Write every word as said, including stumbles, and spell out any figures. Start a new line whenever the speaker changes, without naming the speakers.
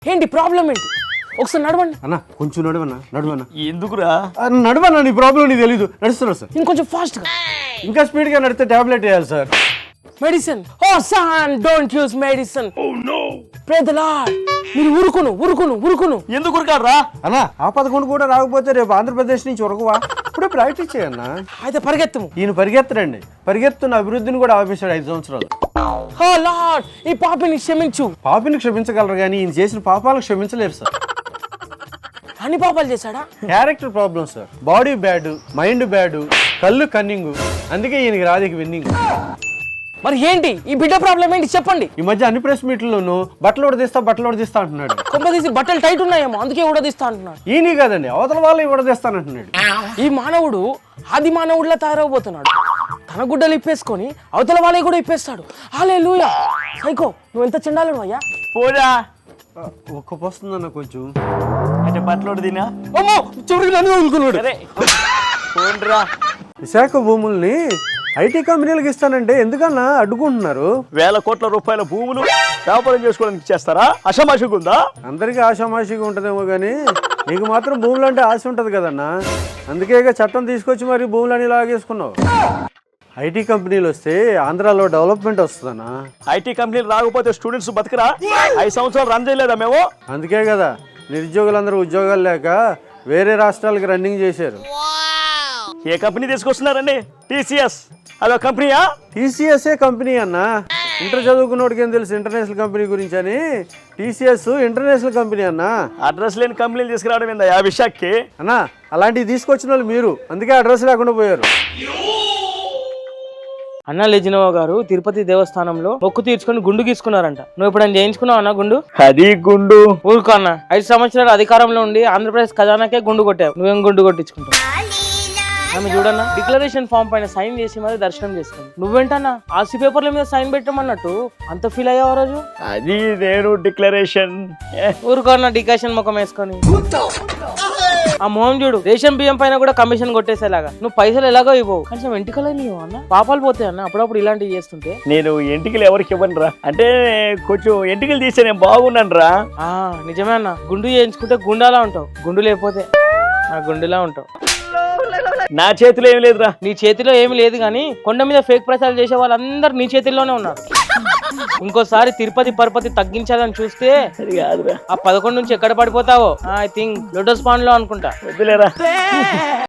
ఏంటి ప్రాబ్లం ఏంటి? ఒకసారి నడవండి
అన్న. కొంచెం నడవన్నా నడవన్నా.
ఎందుకురా
నడవన్నా, నీ ప్రాబ్లం నీకు తెలీదు. నడుస్తున్నా సార్.
ఇంకొంచెం ఫాస్ట్ గా.
ఇంకా స్పీడ్ గా నడితే టాబ్లెట్ వేయాలి sir.
Medicine. Oh son, don't use medicine. Oh no. Pray the lord. మీరు ఉరుకును ఉరుకును ఉరుకును.
ఎందుకు ఉరకాడరా
అన్న? ఆ పదకొండు కూడా రాకపోతే రేపు ఆంధ్రప్రదేశ్ నుంచి ఉరకవా? ఇప్పుడే ప్రాక్టీస్ చేయన్నా.
అయితే పరిగెత్తము.
ఈయన పరిగెత్తరండి, పరిగెత్తున్న అభివృద్ధిని కూడా ఆపేశాడు ఐదు సంవత్సరాలు.
ఓ లార్డ్, ఈ పాపిని క్షమించు.
పాపిని క్షమించగలరు కానీ ఈయన చేసిన పాపాలను క్షమించలేరు సార్.
అన్ని పాపాలు చేశాడా?
Character problem sir. Body bad, mind bad, కళ్ళు కన్నింగ్. అందుకే ఈయనకి రాధిక విన్నింగ్.
మరి ఏంటి ఈ బిడ్డ ప్రాబ్లం ఏంటి చెప్పండి.
ఈ మధ్య అన్ని ప్రెస్ మీట్లలోనూ బట్టలు ఉడదీస్తా బట్టలు ఉడదీస్తా అంటున్నాడు.
కొంపదీసి బట్టలు టైట్ ఉన్నాయేమో అందుకే ఊడదీస్తా అంటున్నాడు.
ఈయన కాదండి, అవతల వాళ్ళు ఉడదీస్తానంటున్నాడు.
ఈ మానవుడు ఆది మానవుడిలా తయారవబోతున్నాడు. తన గుడ్డలు ఇప్పేసుకొని అవతల వాళ్ళే కూడా ఇప్పేస్తాడు. హల్లెలూయా. సైకో, నువ్వు ఎంత చెండాలను అయ్యా.
పోరా
ఒక్క పోస్తుందన్న కొంచెం.
అంటే బట్టలోడు తినా
అమ్మో, చివరికి నన్ను వదులుకున్నాడు.
సరే పోండ్రా.
విశాఖ భూముల్ని ఐటీ కంపెనీలకు ఇస్తానంటే ఎందుకన్నా అడ్డుకుంటున్నారు?
వేల కోట్ల రూపాయల భూములు వ్యాపారం చేసుకోవడానికి ఇచ్చేస్తారా? అషమాషిగా ఉందా?
అందరికీ ఆశామాషిగా ఉంటుందేమో కానీ నీకు మాత్రం భూములు అంటే ఆశ ఉంటుంది కదన్నా. అందుకే ఇక చట్టం తీసుకొచ్చి మరి భూములని లాగేసుకున్నావు. ఐటీ కంపెనీలు వస్తే ఆంధ్రాలో డెవలప్మెంట్ వస్తుందన్నా.
ఐటీ కంపెనీలు రాకపోతే స్టూడెంట్స్ బతకరా? ఐదు సంవత్సరాలు రన్ చేయలేదా మేము?
అందుకే కదా నిరుద్యోగులందరూ ఉద్యోగాలు లేక వేరే రాష్ట్రాలకు రన్నింగ్ చేశారు.
ఏ కంపెనీ తీసుకొస్తున్నారండి? టీసీఎస్ అదో కంపెనీయా?
టీసీఎస్ఏ కంపెనీ అన్నా. ఇంటర్ చదువుకున్నోడికి ఏం తెలుసు ఇంటర్నేషనల్ కంపెనీ గురించి అని. టీసీఎస్ ఇంటర్నేషనల్ కంపెనీ అన్నా.
అడ్రస్ లేని కంపెనీలు తీసుకురావడం ఏందా ఆ విశాఖకి?
అన్నా అలాంటివి తీసుకొచ్చిన వాళ్ళు మీరు, అందుకే అడ్రస్ లేకుండా పోయారు.
అన్న లెజినోవా గారు తిరుపతి దేవస్థానంలో మొక్కు తీర్చుకొని గుండు గీసుకున్నారంట. నువ్వు ఎప్పుడైనా చేయించుకున్నావు అన్న గుండు?
అది గుండు
ఊరుకో అన్న. ఐదు సంవత్సరాలు అధికారంలో ఉండి ఆంధ్రప్రదేశ్ ఖజానాకే గుండు కొట్టావు. నువ్వేం గుండు కొట్టించుకుంటావు? ఆమె చూడన్నా డిక్లరేషన్ ఫామ్ పైన సైన్ చేసి మరి దర్శనం చేసుకుంది. నువ్వేంటన్నా ఆర్సీ పేపర్ల మీద సైన్ పెట్టమన్నట్టు అంత ఫీల్ అయ్యావు రోజు?
అది నేను డిక్లరేషన్.
ఊరుకో అన్న డికాషన్ ముఖం వేసుకొని. ఆ మొహం చూడు, రేషన్ బియ్యం పైన కూడా కమిషన్ కొట్టేసేలాగా. నువ్వు పైసలు ఎలాగో ఇవ్వవు, కొంచెం ఎంటికలే నీవు అన్న. పాపాలు పోతాయి అన్న అప్పుడప్పుడు ఇలాంటివి చేస్తుంటే.
నేను ఎంటికలు ఎవరికి ఇవ్వను రా. అంటే కొంచెం ఎంటికలు తీస్తే నేను బాగున్నాను రా.
ఆ నిజమే అన్న, గుండు చేయించుకుంటే గుండాలా ఉంటావు, గుండు లేకపోతే ఆ గుండులా ఉంటావు.
నా చేతిలో ఏం లేదురా.
నీ చేతిలో ఏమి లేదు కానీ కొండ మీద ఫేక్ ప్రచారాలు చేసే వాళ్ళందరూ నీ చేతిలోనే ఉన్నారు. ఇంకోసారి తిరుపతి పరపతి తగ్గించాలని చూస్తే
అది కాదురా.
ఆ పదకొండు నుంచి ఎక్కడ పడిపోతావో ఐ థింక్ లోటస్ పాండ్ లో అనుకుంటా.
వద్దులేరా.